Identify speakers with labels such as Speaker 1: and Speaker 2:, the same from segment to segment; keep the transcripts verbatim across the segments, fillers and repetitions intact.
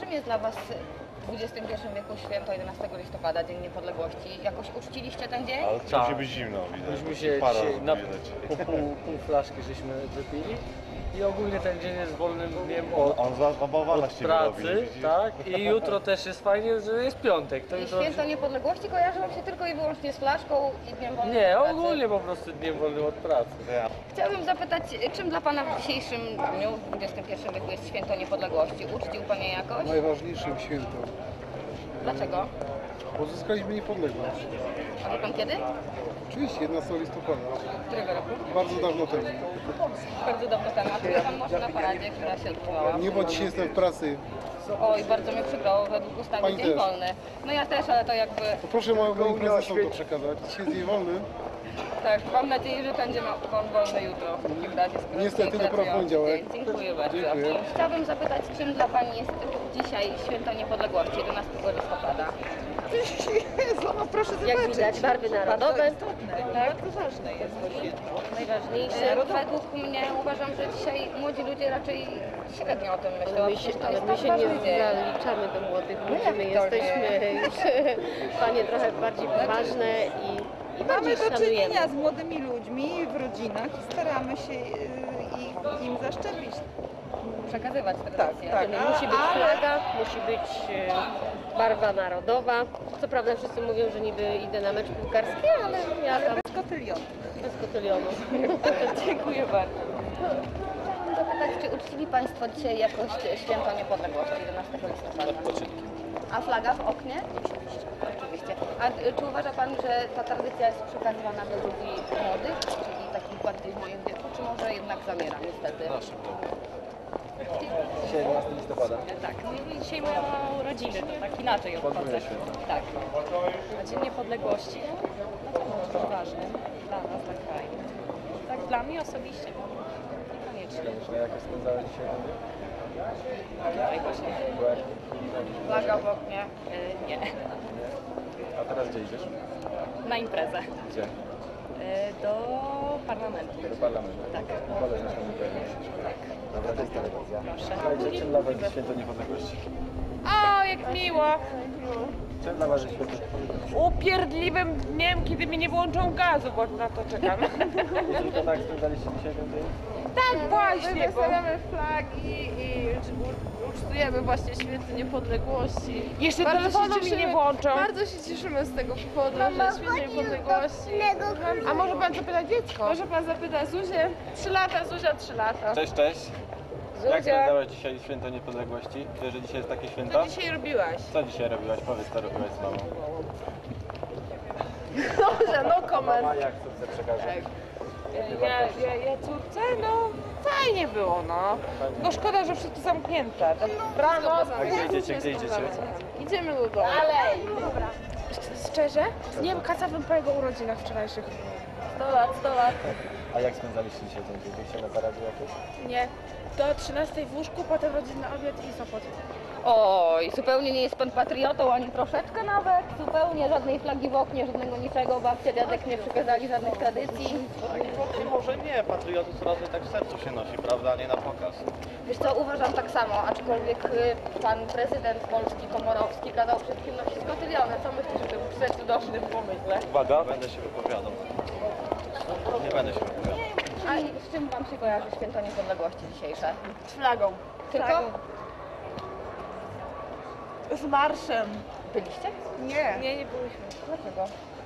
Speaker 1: czym jest dla Was w dwudziestym pierwszym wieku święto jedenastego listopada, Dzień Niepodległości? Jakoś uczciliście ten dzień?
Speaker 2: Ale to musi być zimno, widać.
Speaker 3: Myśmy się
Speaker 2: Para
Speaker 3: dzisiaj na
Speaker 2: widać.
Speaker 3: po pół, pół flaszki żeśmy wypili i ogólnie ten dzień jest wolnym dniem od,
Speaker 2: On zabawala
Speaker 3: od
Speaker 2: się
Speaker 3: pracy,
Speaker 2: robi, widzisz?
Speaker 3: tak? I jutro też jest fajnie, że jest piątek. To
Speaker 1: I
Speaker 3: jutro...
Speaker 1: święto Niepodległości kojarzy Wam się tylko i wyłącznie z flaszką i Dniem Wolnym
Speaker 3: Nie,
Speaker 1: od pracy?
Speaker 3: ogólnie po prostu dniem wolnym od pracy.
Speaker 1: Chciałabym zapytać, czym dla Pana w dzisiejszym dniu, w dwudziestym pierwszym wieku jest święto Niepodległości? Uczcił Pan je jakoś?
Speaker 4: Najważniejszym świętem.
Speaker 1: Dlaczego?
Speaker 4: Uzyskaliśmy niepodległość.
Speaker 1: A wie Pan kiedy?
Speaker 4: Oczywiście jedenastego listopada.
Speaker 1: Którego roku?
Speaker 4: Bardzo dawno temu.
Speaker 1: Bardzo dawno temu. A był Pan może na paradzie, która się odbywała?
Speaker 4: Nie, bo dzisiaj jestem w pracy.
Speaker 1: Oj, bardzo mnie przykro, według ustawy
Speaker 4: Pani
Speaker 1: dzień
Speaker 4: też.
Speaker 1: wolny. No ja też, ale to jakby...
Speaker 4: To proszę moim prezesom to przekazać. Dzisiaj jest dzień wolny.
Speaker 1: Tak, mam nadzieję, że będzie ma Pan wolny jutro. W takim razie, skoro
Speaker 4: Niestety,
Speaker 1: tutaj
Speaker 4: dopiero w
Speaker 1: pracują.
Speaker 4: poniedziałek.
Speaker 1: Dziękuję bardzo.
Speaker 4: Dziękuję.
Speaker 1: Chciałabym zapytać, czym dla Pani jest dzisiaj święto niepodległości, jedenastego listopada?
Speaker 5: Jezu, no proszę zobaczyć.
Speaker 6: Jak widać, barwy narodowe.
Speaker 5: Bardzo istotne, bardzo ważne jest to święto.
Speaker 6: Najważniejsze.
Speaker 1: E, Według mnie uważam, że dzisiaj młodzi ludzie raczej średnio o tym myślą.
Speaker 6: Ale my się,
Speaker 1: To
Speaker 6: ale
Speaker 1: jest
Speaker 6: my
Speaker 1: tak
Speaker 6: się nie
Speaker 1: ważny dzień.
Speaker 6: zaliczamy do młodych ludzi,
Speaker 1: jak
Speaker 6: my
Speaker 1: to
Speaker 6: jesteśmy już panie trochę bardziej poważne i, i bardziej
Speaker 5: Mamy do
Speaker 6: szanujemy.
Speaker 5: czynienia z młodymi ludźmi w rodzinach i staramy się y, ich, im zaszczepić.
Speaker 1: Przekazywać tradycje.
Speaker 5: tak.
Speaker 6: Nie musi być
Speaker 5: Ale-
Speaker 6: flaga, musi być e, barwa narodowa. Co prawda wszyscy mówią, że niby idę na mecz piłkarski, ale ja tam
Speaker 5: Bez kotylionu.
Speaker 6: bez kotylionu.
Speaker 1: Dziękuję bardzo. Chciałabym zapytać, czy uczcili Państwo dzisiaj jakoś święto niepodległości, jedenastego listopada? A flaga w oknie? Oczywiście. Oczywiście. A y, czy uważa Pan, że ta tradycja jest przekazywana do ludzi młodych, czyli takich bardziej w moim wieku, czy może jednak zamiera niestety?
Speaker 3: Dzisiaj jedenastego listopada.
Speaker 7: Tak, no dzisiaj mają urodziny, to tak inaczej obchodzę.
Speaker 3: Podwójne święto.
Speaker 7: Tak. A Dzień Niepodległości no to jest ważny dla nas, dla kraju. Tak dla mnie osobiście, niekoniecznie.
Speaker 3: Koniecznie, jak spędzałeś dzisiaj dzień?
Speaker 7: Tutaj właśnie.
Speaker 3: Byłaś?
Speaker 1: Flaga w oknie.
Speaker 7: Y, nie,
Speaker 3: A teraz gdzie idziesz?
Speaker 7: na imprezę.
Speaker 3: Gdzie?
Speaker 7: Y, do parlamentu.
Speaker 3: Do parlamentu.
Speaker 7: Tak.
Speaker 3: Koleżanka mi pewnie. Dobra, to jest telewizja.
Speaker 7: Proszę.
Speaker 3: Słuchajcie, czym dla Was jest święto niepodległości?
Speaker 8: O, jak miło!
Speaker 3: Czym dla Was jest święto?
Speaker 8: Upierdliwym dniem, kiedy mi nie włączą gazu, bo na to czekam.
Speaker 3: Tylko tak spędzaliście dzisiaj ten dzień?
Speaker 8: Tak właśnie, bo
Speaker 9: Wystawiamy flagi i u- ucztujemy właśnie święto niepodległości.
Speaker 8: jeszcze
Speaker 9: Bardzo się
Speaker 8: telefonu mi
Speaker 9: cieszymy-
Speaker 8: nie włączą.
Speaker 9: Bardzo się cieszymy z tego powodu, że święto niepodległości.
Speaker 8: A może pan zapytać dziecko?
Speaker 9: Może pan zapyta Zuzię? Trzy lata, Zuzia trzy lata.
Speaker 10: Cześć, cześć. Jak
Speaker 9: Zuzia,
Speaker 10: spędzałeś dzisiaj święto niepodległości? Wiesz, że dzisiaj jest takie święto?
Speaker 9: co dzisiaj robiłaś?
Speaker 10: Co dzisiaj robiłaś? Powiedz, co robiłaś z mamą.
Speaker 9: Dobrze, no comment.
Speaker 3: A jak córce przekażę?
Speaker 8: Ja, ja, ja córce? No fajnie było, no. Tylko szkoda, że wszystko zamknięte. Tak rano.
Speaker 3: A gdzie idziecie, gdzie idziecie?
Speaker 9: Idziemy do domu.
Speaker 8: Szczerze? Z dniem kasowym po jego urodzinach wczorajszych.
Speaker 9: sto lat, sto lat.
Speaker 3: A jak spędzaliście dzisiaj ten dzień? Byliście na paradzie jakieś?
Speaker 8: Nie. Do trzynastej w łóżku, potem rodzinny obiad i Sopot.
Speaker 1: Oj, zupełnie nie jest Pan patriotą, ani troszeczkę nawet. Zupełnie żadnej flagi w oknie, żadnego niczego. Babcia, dziadek nie przekazali żadnych tradycji.
Speaker 10: Może nie, patriotyzm raczej tak w sercu się nosi, prawda, a nie na pokaz.
Speaker 1: Wiesz co, uważam tak samo, aczkolwiek y, Pan prezydent Polski Komorowski kazał wszystkim nosić kotyliony. Co myślisz o tym przecudownym pomyśle?
Speaker 10: Uwaga. Nie będę się wypowiadał. Nie będę się wypowiadał.
Speaker 1: A i z czym Wam się kojarzy święto niepodległości dzisiejsze?
Speaker 9: Z flagą.
Speaker 1: Tylko?
Speaker 5: Z marszem.
Speaker 1: Byliście?
Speaker 5: Nie,
Speaker 9: Nie, nie byliśmy.
Speaker 1: Dlaczego?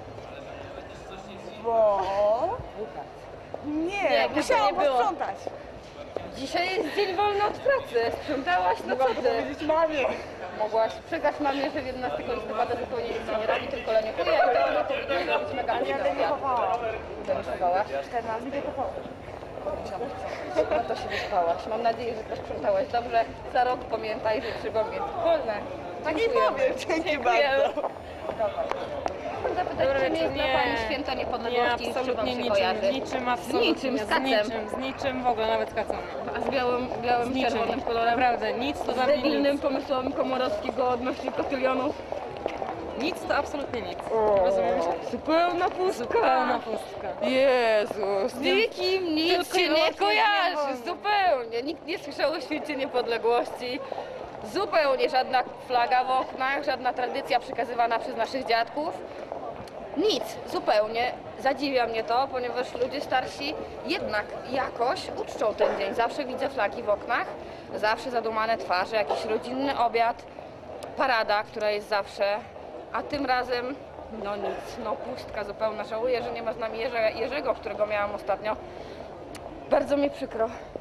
Speaker 5: bo...
Speaker 9: Nie,
Speaker 5: Nie,
Speaker 9: bo
Speaker 5: musiałam
Speaker 9: to nie było.
Speaker 5: posprzątać.
Speaker 1: Dzisiaj jest dzień wolny od pracy. Sprzątałaś? No co ty?
Speaker 5: Powiedzieć mamie.
Speaker 1: Mogłaś przekazać mamie, że jedenastego listopada zupełnie nic się nie robi, tylko leniuchuje, to ona powinna zrobić mega
Speaker 5: Ja
Speaker 1: akcja.
Speaker 5: leniuchowałam.
Speaker 1: Leniuchowałaś?
Speaker 5: czternaście leniuchowałam.
Speaker 1: No to się wyspałaś. Mam nadzieję, że też sprzątałaś dobrze. Za rok pamiętaj, że trzeba mieć wolne.
Speaker 5: Tak i
Speaker 1: Dziękujemy.
Speaker 5: powiem, dzięki
Speaker 1: Dziękujemy.
Speaker 5: bardzo.
Speaker 1: Dobra. Chciałam zapytać,
Speaker 8: Dobra,
Speaker 1: czym jest
Speaker 8: nie.
Speaker 1: dla Pani święto
Speaker 8: Nie,
Speaker 1: niepodległości i z czym Wam
Speaker 8: absolutnie
Speaker 1: się
Speaker 8: niczym,
Speaker 1: kojarzy?
Speaker 8: z niczym, absolutnie.
Speaker 1: niczym, z
Speaker 8: z
Speaker 1: kacem.
Speaker 8: niczym, z niczym w ogóle, nawet z kacem.
Speaker 1: A z białym, białym
Speaker 8: Z niczym.
Speaker 1: czerwonym kolorem?
Speaker 8: Naprawdę, nic to
Speaker 1: Z
Speaker 8: dla mnie
Speaker 1: debilnym
Speaker 8: nic.
Speaker 1: pomysłem Komorowskiego odnośnie kotylionów?
Speaker 8: Nic to absolutnie nic. Rozumiesz?
Speaker 1: Zupełna pustka.
Speaker 8: Zupełna pustka.
Speaker 1: Jezus, z nikim nic
Speaker 8: Tylko
Speaker 1: się
Speaker 8: i
Speaker 1: nie
Speaker 8: wyłącznie
Speaker 1: kojarzy,
Speaker 8: wolno.
Speaker 1: zupełnie. Nikt nie słyszał o święcie niepodległości. Zupełnie żadna flaga w oknach, żadna tradycja przekazywana przez naszych dziadków. Nic, zupełnie. Zadziwia mnie to, ponieważ ludzie starsi jednak jakoś uczczą ten dzień. Zawsze widzę flagi w oknach, zawsze zadumane twarze, jakiś rodzinny obiad, parada, która jest zawsze, a tym razem no nic, no pustka zupełna. Żałuję, że nie ma z nami Jerze, Jerzego, którego miałam ostatnio. Bardzo mi przykro.